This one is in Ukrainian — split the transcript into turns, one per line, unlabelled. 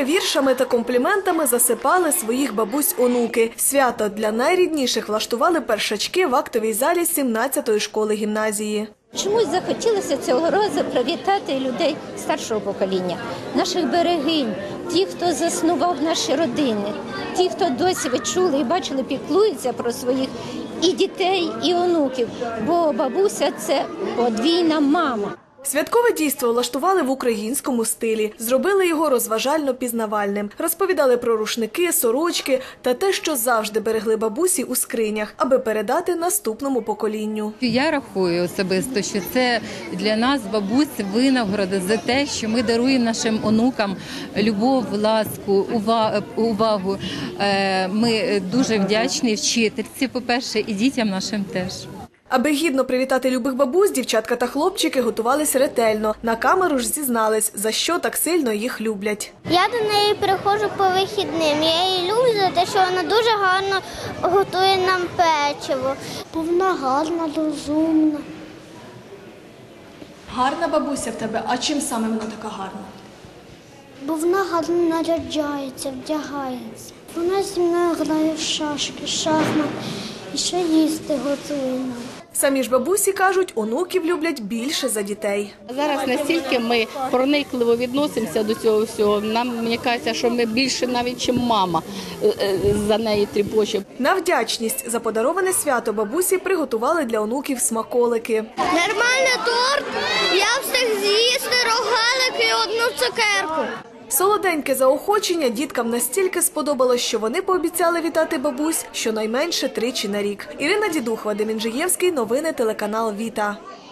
Смачними віршами та компліментами засипали своїх бабусь онуки. Свято для найрідніших влаштували першачки в актовій залі 17-ї школи-гімназії.
Чомусь захотілося цього разу привітати людей старшого покоління, наших берегинь, ті, хто заснував наші родини, ті, хто досі ви чули і бачили, піклуються про своїх і дітей, і онуків, бо бабуся – це подвійна мама.
Святкове дійство влаштували в українському стилі. Зробили його розважально-пізнавальним. Розповідали про рушники, сорочки та те, що завжди берегли бабусі у скринях, аби передати наступному поколінню.
Я рахую особисто, що це для нас, бабусь, винагорода за те, що ми даруємо нашим онукам любов, ласку, увагу. Ми дуже вдячні вчительці, по-перше, і дітям нашим теж.
Аби гідно привітати любих бабусь, дівчатка та хлопчики готувались ретельно. На камеру ж зізнались, за що так сильно їх люблять.
Я до неї приходжу по вихідним. Я її люблю за те, що вона дуже гарно готує нам печиво. Бо вона гарна, розумна.
Гарна бабуся в тебе, а чим саме вона така гарна?
Бо вона гарно наряджається, вдягається. Вона зі мною грає в шашки, шахмат і ще їсти готує нам.
Самі ж бабусі кажуть, онуків люблять більше за дітей.
Зараз настільки ми проникливо відносимося до цього всього, мені кажеться, що ми більше навіть, ніж мама за неї тріпоче.
На вдячність за подароване свято бабусі приготували для онуків смаколики.
Нормальний торт, я встиг з'їсти рогалик і одну цукерку.
Солоденьке заохочення діткам настільки сподобалось, що вони пообіцяли вітати бабусь щонайменше 3 на рік. Ірина Дідух, Вадим Інжиєвський, новини телеканал «Віта».